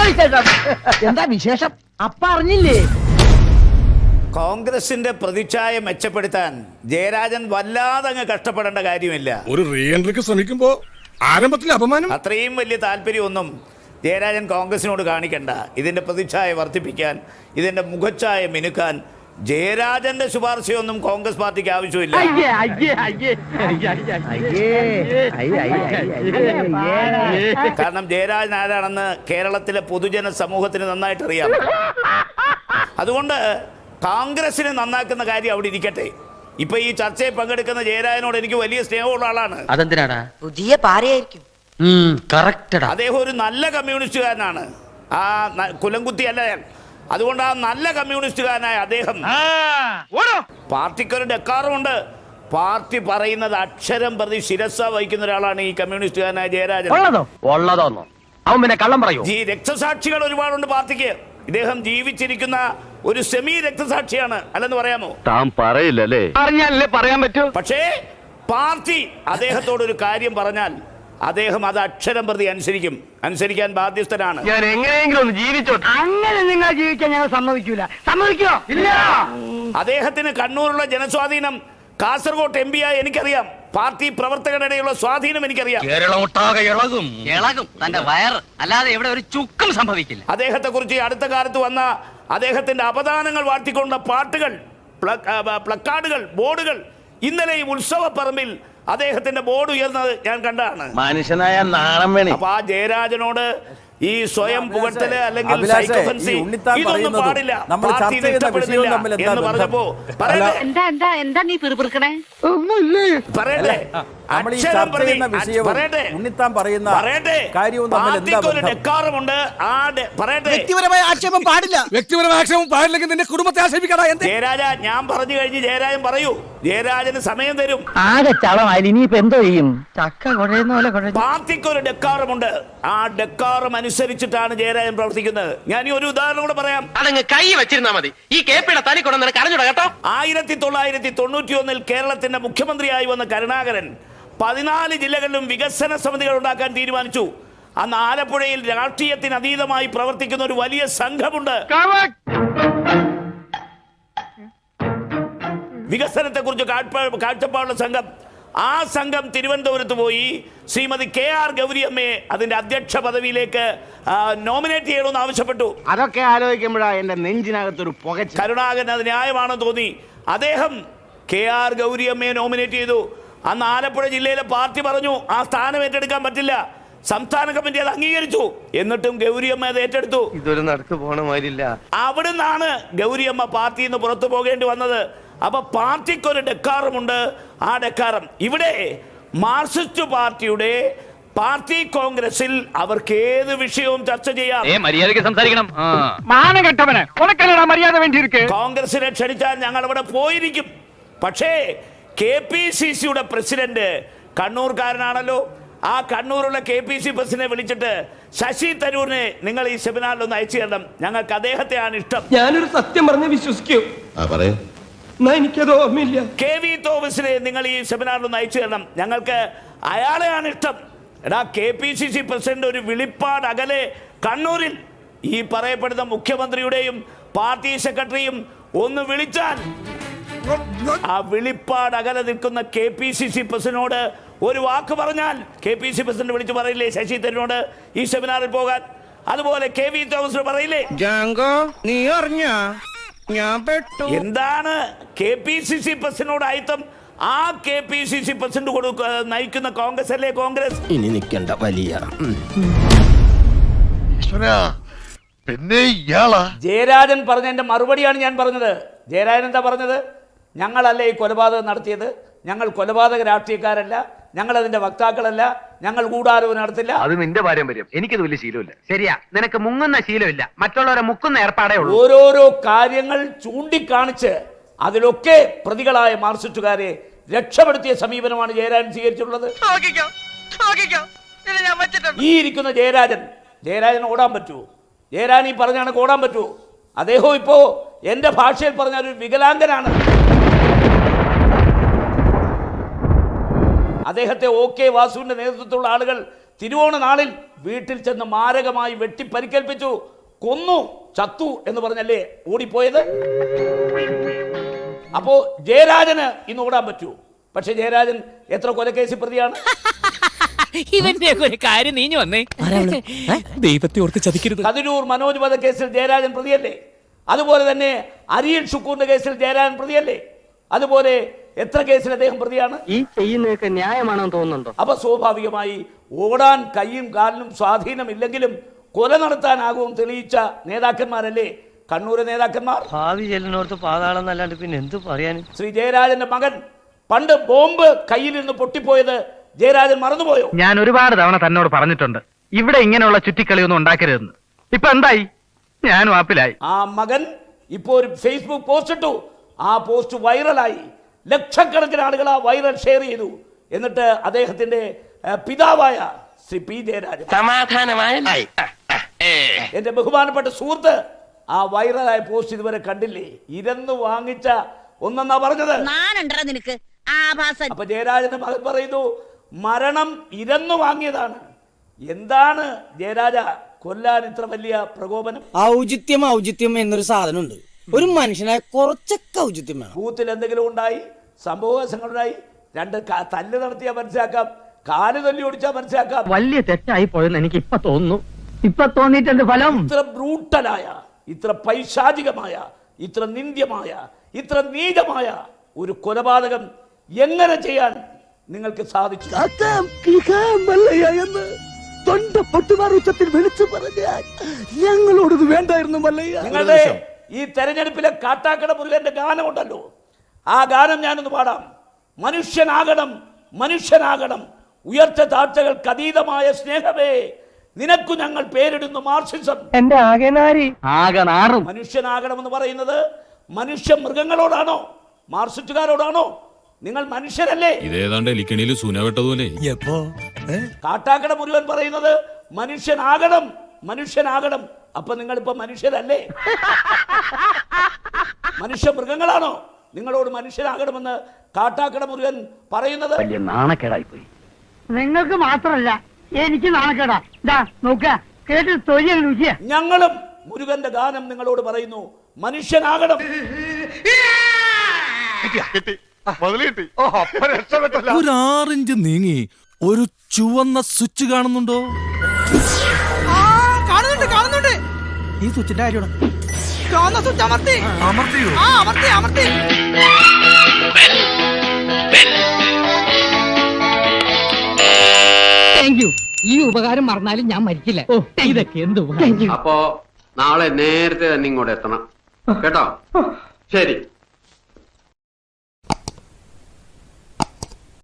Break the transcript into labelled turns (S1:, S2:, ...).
S1: എന്താ വിശേഷം? അപ്പ അറിഞ്ഞില്ലേ?
S2: കോൺഗ്രസിന്റെ പ്രതിച്ഛായ മെച്ചപ്പെടുത്താൻ ജയരാജൻ വല്ലാതെ അങ്ങ് കഷ്ടപ്പെടേണ്ട കാര്യമില്ല.
S3: ഒരു റീ എൻട്രിക്ക് ശ്രമിക്കുമ്പോ ആരംഭത്തിലെ അപമാനം.
S2: അത്രയും വലിയ താല്പര്യമൊന്നും ജയരാജൻ കോൺഗ്രസിനോട് കാണിക്കണ്ട. ഇതിന്റെ പ്രതിച്ഛായ വർദ്ധിപ്പിക്കാൻ, ഇതിന്റെ മുഖച്ഛായ മിനുക്കാൻ ജയരാജന്റെ ശുപാർശയൊന്നും കോൺഗ്രസ് പാർട്ടിക്ക് ആവശ്യമില്ല. കാരണം ജയരാജൻ ആരാണെന്ന് കേരളത്തിലെ പൊതുജന സമൂഹത്തിന് നന്നായിട്ട് അറിയാം. അതുകൊണ്ട് കോൺഗ്രസിനെ നന്നാക്കുന്ന കാര്യം അവിടെ ഇരിക്കട്ടെ. ഇപ്പൊ ഈ ചർച്ചയിൽ പങ്കെടുക്കുന്ന ജയരാജനോട് എനിക്ക് വലിയ സ്നേഹമുള്ള ആളാണ്.
S1: അതെന്തിനാടാ?
S4: പുതിയ പാരയായിരിക്കും.
S2: അദ്ദേഹം ഒരു നല്ല കമ്മ്യൂണിസ്റ്റുകാരനാണ്. ആ കുലംകുത്തി അല്ല ഞാൻ. അതുകൊണ്ട് ആ നല്ല കമ്മ്യൂണിസ്റ്റുകാരനായ അദ്ദേഹം പാർട്ടിക്കൊരു ഡെക്കാറുമുണ്ട്. പാർട്ടി പറയുന്നത് അക്ഷരം പ്രതി ശിരസ വഹിക്കുന്ന ഒരാളാണ് ഈ കമ്മ്യൂണിസ്റ്റുകാരനായ ജയരാജൻ.
S1: അവൻ പിന്നെ കള്ളം പറയൂ.
S2: ഈ രക്തസാക്ഷികൾ ഒരുപാടുണ്ട് പാർട്ടിക്ക്. ഇദ്ദേഹം ജീവിച്ചിരിക്കുന്ന ഒരു സെമി രക്തസാക്ഷിയാണ്, അല്ലെന്ന് പറയാമോ?
S5: താൻ പറയില്ലല്ലേ?
S1: അറിഞ്ഞാലല്ലേ പറയാൻ പറ്റൂ.
S2: പക്ഷേ പാർട്ടി അദ്ദേഹത്തോടൊരു കാര്യം പറഞ്ഞാൽ അദ്ദേഹം അത് അക്ഷരം പ്രതി അനുസരിക്കാൻ ബാധ്യസ്ഥനാണ്.
S1: ഞാൻ എങ്ങനെയെങ്കിലും ഒന്ന് ജീവിച്ചോ. അങ്ങനെ നിങ്ങൾ ജീവിക്കാൻ ഞങ്ങൾ സമ്മതിക്കൂല. സമ്മതിക്കോ? ഇല്ല.
S2: അദ്ദേഹത്തിന് കണ്ണൂരുള്ള ജനസ്വാധീനം, കാസർഗോഡ് MP ആയി എനിക്കറിയാം. പാർട്ടി പ്രവർത്തകരുടെയുള്ള സ്വാധീനം എനിക്കറിയാം.
S6: ഇളകും തന്റെ വയറ്, അല്ലാതെ ഇവിടെ ഒരു ചുക്കും സംഭവിക്കില്ല.
S2: അദ്ദേഹത്തെ കുറിച്ച് അടുത്ത കാലത്ത് വന്ന അദ്ദേഹത്തിന്റെ അപദാനങ്ങൾ വാഴ്ത്തിക്കൊണ്ട പാട്ടുകൾ, പ്ലക്കാർഡുകൾ, ബോർഡുകൾ, ഇന്നലെ ഈ ഉത്സവപ്പറമ്പിൽ അദ്ദേഹത്തിന്റെ ബോർഡ് ഉയർന്നത് ഞാൻ കണ്ടാണ്.
S5: മനുഷ്യനായ നാണം വേണേ.
S2: അപ്പൊ ആ ജയരാജനോട് ഈ സ്വയം പുകഴ്ത്തല് അല്ലെങ്കിൽ ഇതൊന്നും പാടില്ല. പാർട്ടി ഇഷ്ടപ്പെടുന്നില്ല എന്ന് പറഞ്ഞപ്പോ
S4: എന്താ നീ പിറുപിറുക്കണേ?
S2: പറയട്ടെ, ഡെക്കാറുമുണ്ട്.
S1: വ്യക്തിപരമായ ആക്ഷേപം പാടില്ല. വ്യക്തിപരമായ ആക്ഷേപം പാടില്ലെങ്കിൽ നിന്റെ കുടുംബത്തെ ആക്ഷേപിക്കടാ.
S2: ജയരാജ, ഞാൻ പറഞ്ഞു കഴിഞ്ഞ് ജയരാജൻ പറയൂ. ജയരാജന് സമയം തരും.
S1: ആകെ ചളമായി. ഇനിയിപ്പോ എന്തോ ചെയ്യും? ചക്ക കുഴയുന്ന പോലെ.
S2: പാർട്ടിക്കൊരു ഡെക്കാറുമുണ്ട്. ആ ഡെക്കാറും അനുസരിച്ചിട്ടാണ് ജയരാജൻ പ്രവർത്തിക്കുന്നത്. ഞാൻ ഈ ഒരു ഉദാഹരണം കൂടെ പറയാം.
S6: അതങ്ങ് കൈ വെച്ചിരുന്നാ മതി. ഈ കേപ്പിയുടെ തനി കൊണ്ടു കരഞ്ഞുട കേട്ടോ.
S2: 1991 കേരളത്തിന്റെ മുഖ്യമന്ത്രിയായി വന്ന കരുണാകരൻ 14 ജില്ലകളിലും വികസന സമിതികൾ ഉണ്ടാക്കാൻ തീരുമാനിച്ചു. അന്ന് ആലപ്പുഴയിൽ രാഷ്ട്രീയത്തിന് അതീതമായി പ്രവർത്തിക്കുന്ന ഒരു വലിയ സംഘമുണ്ട്. വികസനത്തെ കുറിച്ച് കാഴ്ചപ്പാടുള്ള സംഘം. ആ സംഘം തിരുവനന്തപുരത്ത് പോയി ശ്രീമതി KR ഗൗരിയമ്മയെ അതിന്റെ അധ്യക്ഷ പദവിയിലേക്ക് നോമിനേറ്റ് ചെയ്യണമെന്ന് ആവശ്യപ്പെട്ടു.
S1: അതൊക്കെ ആലോചിക്കുമ്പോഴാ എന്റെ നെഞ്ചിനകത്തൊരു പുകച്ച.
S2: കരുണാകരൻ അത് ന്യായമാണെന്ന് തോന്നി. അദ്ദേഹം KR ഗൗരിയമ്മയെ നോമിനേറ്റ് ചെയ്തു. അന്ന് ആലപ്പുഴ ജില്ലയിലെ പാർട്ടി പറഞ്ഞു ആ സ്ഥാനം ഏറ്റെടുക്കാൻ പറ്റില്ല. സംസ്ഥാന കമ്മിറ്റി അത് അംഗീകരിച്ചു. എന്നിട്ടും ഗൗരിയമ്മ അത് ഏറ്റെടുത്തു.
S5: ഇതൊരു നടക്ക് പോണ മാതിരില്ല.
S2: അവിടുന്നാണ് ഗൗരിയമ്മ പാർട്ടിയിൽ നിന്ന് പുറത്തു പോകേണ്ടി വന്നത്. അപ്പൊ പാർട്ടിക്കൊരു ഡെക്കാറുമുണ്ട്. ആ ഡെക്കാരം ഇവിടെ മാർക്സിസ്റ്റ് പാർട്ടിയുടെ പാർട്ടി കോൺഗ്രസിൽ അവർക്ക് ഏത് വിഷയവും ചർച്ച ചെയ്യാം.
S6: മര്യാദയ്ക്ക് സംസാരിക്കണം.
S2: കോൺഗ്രസിനെ ക്ഷണിച്ചാൽ ഞങ്ങൾ അവിടെ പോയിരിക്കും. പക്ഷേ KPCCയുടെ പ്രസിഡന്റ് കണ്ണൂർക്കാരനാണല്ലോ. ആ കണ്ണൂരുള്ള KPC പ്രസിഡന്റിനെ വിളിച്ചിട്ട് ശശി തരൂരിനെ നിങ്ങൾ ഈ സെമിനാറിൽ ഒന്ന് അയച്ചു തരണം. ഞങ്ങൾക്ക് അദ്ദേഹത്തെയാണ് ഇഷ്ടം.
S7: ഞാനൊരു സത്യം പറഞ്ഞ് വിശ്വസിക്കൂ. എനിക്കത് ഓർമ്മയില്ല.
S2: KV തോമസിനെ നിങ്ങൾ ഈ സെമിനാറിൽ ഒന്ന് അയച്ചു തരണം. ഞങ്ങൾക്ക് അയാളെയാണ് ഇഷ്ടം. എടാ, KPCC പ്രസിഡന്റ് ഒരു വിളിപ്പാട് അകലെ കണ്ണൂരിൽ ഈ പറയപ്പെടുന്ന മുഖ്യമന്ത്രിയുടെയും പാർട്ടി സെക്രട്ടറിയും ഒന്ന് വിളിച്ചാൽ ആ വിളിപ്പാട് അകലെ നിൽക്കുന്ന KPCC പ്രസിഡന്റിനോട് ഒരു വാക്ക് പറഞ്ഞാൽ KPCC പ്രസിഡന്റ് വിളിച്ചു പറയില്ലേ ശശി തരൂരിനോട് ഈ സെമിനാറിൽ പോകാൻ? അതുപോലെ KV തോമസിന് പറയില്ലേ? എന്താണ് KPCC പ്രസിഡന്റിനോട് ആയിത്തം? ആ KPCC പ്രസിഡന്റ് നയിക്കുന്ന കോൺഗ്രസ് അല്ലേ കോൺഗ്രസ്?
S5: ഇനി നിൽക്കണ്ട വലിയ
S3: പിന്നെ ഇയാളാ
S2: ജയരാജൻ പറഞ്ഞതിന്റെ മറുപടിയാണ് ഞാൻ പറഞ്ഞത്. ജയരാജൻ എന്താ പറഞ്ഞത്? ഞങ്ങളല്ലേ ഈ കൊലപാതകം നടത്തിയത്, ഞങ്ങൾ കൊലപാതക രാഷ്ട്രീയക്കാരല്ല, ഞങ്ങൾ അതിന്റെ വക്താക്കളല്ല, ഞങ്ങൾ ഗൂഢാലോചന നടത്തില്ല.
S6: അത് നിന്റെ പാരമ്പര്യം. എനിക്കത് വലിയ ശീലമില്ല. ശരിയാ, നിനക്ക് മുങ്ങുന്ന ശീലമില്ല, മറ്റുള്ളവരെ മുക്കുന്ന ഏർപ്പാടേ ഉള്ളൂ.
S2: ഓരോരോ കാര്യങ്ങൾ ചൂണ്ടിക്കാണിച്ച് അതിലൊക്കെ പ്രതികളായ മാർക്സിസ്റ്റുകാരെ രക്ഷപ്പെടുത്തിയ സമീപനമാണ് ജയരാജൻ സ്വീകരിച്ചിട്ടുള്ളത്. ഈ ഇരിക്കുന്ന ജയരാജൻ ഓടാൻ പറ്റുമോ? ജയരാജൻ ഈ പറഞ്ഞാണ് ഓടാൻ പറ്റുമോ? അദ്ദേഹം ഇപ്പോ എന്റെ ഭാഷയിൽ പറഞ്ഞ ഒരു വികലാംഗനാണ്. അദ്ദേഹത്തെ OK വാസുവിന്റെ നേതൃത്വത്തിലുള്ള ആളുകൾ തിരുവോണ നാളിൽ വീട്ടിൽ ചെന്ന് മാരകമായി വെട്ടി പരിക്കേൽപ്പിച്ചു, കൊന്നു, ചത്തു എന്ന് പറഞ്ഞല്ലേ ഓടിപ്പോയത്? അപ്പോ ജയരാജന് ഇന്ന് ഓടാൻ പറ്റൂ. പക്ഷെ ജയരാജൻ എത്ര കൊലക്കേസിൽ പ്രതിയാണ്?
S8: ഇവന്റെ ഒരു കാര്യം നീഞ്ഞു വന്നേ. ദൈവത്തെ ഓർത്ത് ചതിക്കരുത്.
S2: കതിരൂർ മനോജ് വധക്കേസിൽ ജയരാജൻ പ്രതിയല്ലേ? അതുപോലെ തന്നെ അരിയൽ ഷുക്കൂറിന്റെ കേസിൽ ജയരാജൻ പ്രതിയല്ലേ? അതുപോലെ എത്ര കേസിൽ അദ്ദേഹം പ്രതിയാണ്?
S6: ഈ ചെയ്യുന്നതൊക്കെ ന്യായമാണെന്ന് തോന്നുന്നുണ്ടോ?
S2: അപ്പൊ സ്വാഭാവികമായി ഓടാൻ കയ്യും കാലിനും സ്വാധീനമില്ലെങ്കിലും കൊല നടത്താനാകും തെളിയിച്ച നേതാക്കന്മാരല്ലേ കണ്ണൂരെ നേതാക്കന്മാർ?
S5: ഭാവി ചെല്ലിനോർത്ത് പാതാളം എന്നല്ലാണ്ട് പിന്നെ എന്ത് പറയാനും.
S2: ശ്രീ ജയരാജന്റെ മകൻ പണ്ട് ബോംബ് കയ്യിൽ നിന്ന് പൊട്ടിപ്പോയത് ജയരാജൻ മറന്നുപോയോ?
S6: ഞാൻ ഒരുപാട് തവണ തന്നോട് പറഞ്ഞിട്ടുണ്ട് ഇവിടെ ഇങ്ങനെയുള്ള ചുറ്റിക്കളിയൊന്നും ഉണ്ടാക്കരുതെന്ന്. ഇപ്പൊ എന്തായി? ഞാൻ വാപ്പിലായി.
S2: ആ മകൻ ഇപ്പോ ഒരു ഫേസ്ബുക്ക് പോസ്റ്റ് ഇട്ടു. ആ പോസ്റ്റ് വൈറലായി. ലക്ഷക്കണക്കിന് ആളുകൾ ആ വൈറൽ ഷെയർ ചെയ്തു. എന്നിട്ട് അദ്ദേഹത്തിന്റെ പിതാവായ ശ്രീ പി ജയരാജൻ, എന്റെ ബഹുമാനപ്പെട്ട സുഹൃത്ത്, ആ വൈറലായ പോസ്റ്റ് ഇതുവരെ കണ്ടില്ലേ? ഇരന്ന് വാങ്ങിച്ച ഒന്നെന്നാ പറഞ്ഞത്.
S4: നിനക്ക്
S2: അപ്പൊ ജയരാജന്റെ മകൻ പറയുന്നു മരണം ഇരന്നു വാങ്ങിയതാണ്. എന്താണ് ജയരാജ കൊല്ലാൻ ഇത്ര വലിയ പ്രകോപനം?
S1: ഔചിത്യം എന്നൊരു സാധനമുണ്ട്. ഒരു മനുഷ്യനായ കുറച്ചൊക്കെ ഔചിത്യം വേണം.
S2: ബൂത്തിൽ എന്തെങ്കിലും ഉണ്ടായി, സംഭവങ്ങളുണ്ടായി, രണ്ട് തല്ല് നടത്തിയാൽ മനസ്സിലാക്കാം, കാല് തല്ലി ഓടിച്ചാൽ മനസ്സിലാക്കാം.
S6: വലിയ തെറ്റായി പോയെന്ന് എനിക്ക് ഇപ്പൊ തോന്നുന്നു. ഇപ്പൊ തോന്നിയിട്ടുണ്ട് ഫലം.
S2: ഇത്ര ബ്രൂട്ടലായ, ഇത്ര പൈശാചികമായ, ഇത്ര നിന്ദ്യമായ, ഇത്ര നീചമായ ഒരു കൊലപാതകം എങ്ങനെ ചെയ്യാൻ നിങ്ങൾക്ക് സാധിച്ചു?
S1: ഞങ്ങളോടത് വേണ്ടായിരുന്നു മല്ലയ്യ.
S2: നിങ്ങളുടെ ഈ തെരഞ്ഞെടുപ്പിലെ കാട്ടാക്കട മുരുകന്റെ ഗാനം ഉണ്ടല്ലോ, ആ ഗാനം ഞാനൊന്ന് പാടാം. മനുഷ്യനാകണം, മനുഷ്യനാകണം, ഉയർച്ച താഴ്ചകൾക്ക് അതീതമായ സ്നേഹമേ, നിനക്കു ഞങ്ങൾ പേരിടുന്നു മാർക്സിസം.
S6: എന്റെ ആകെ നാറും.
S2: മനുഷ്യനാകണമെന്ന് പറയുന്നത് മനുഷ്യ മൃഗങ്ങളോടാണോ, മാർക്സിസ്റ്റുകാരോടാണോ? നിങ്ങൾ മനുഷ്യരല്ലേ?
S9: ഇതേതാണ്ട് എലിക്കണിയിൽ സൂനവെട്ടതുപോലെ.
S2: കാട്ടാക്കട മുഴുവൻ പറയുന്നത് മനുഷ്യനാകണം, മനുഷ്യനാകണം. അപ്പൊ നിങ്ങൾ ഇപ്പൊ മനുഷ്യരല്ലേ? മനുഷ്യ മൃഗങ്ങളാണോ നിങ്ങളോട് മനുഷ്യനാകണമെന്ന് കാട്ടാക്കട മുരുകൻ പറയുന്നത്?
S6: വലിയ നാണക്കേടായി പോയി. നിങ്ങൾക്ക് മാത്രമല്ല എനിക്ക് നാണക്കേടാ. നോക്ക കേട്ട് തൊഴിൽ രുചിയ.
S2: ഞങ്ങളും മുരുകന്റെ ഗാനം നിങ്ങളോട് പറയുന്നു, മനുഷ്യനാകണം.
S9: ഒരു 6 ഇഞ്ച് നീങ്ങി ഒരു ചുവന്ന സ്വിച്ച് കാണുന്നുണ്ടോ?
S1: കാണുന്നുണ്ട്. ഈ സ്വിച്ചിന്റെ കാര്യമാണ്. ചുവന്ന സ്വിച്ച് അമർത്തിയോ? അമർത്തി.
S6: Thank you. ഈ ഉപകാരം മറന്നാലും ഞാൻ മരിക്കില്ല. ഇതൊക്കെ എന്ത് ഉപകാരം.
S10: അപ്പോ നാളെ നേരത്തെ തന്നെ ഇങ്ങോട്ട് എത്തണം കേട്ടോ? ശരി.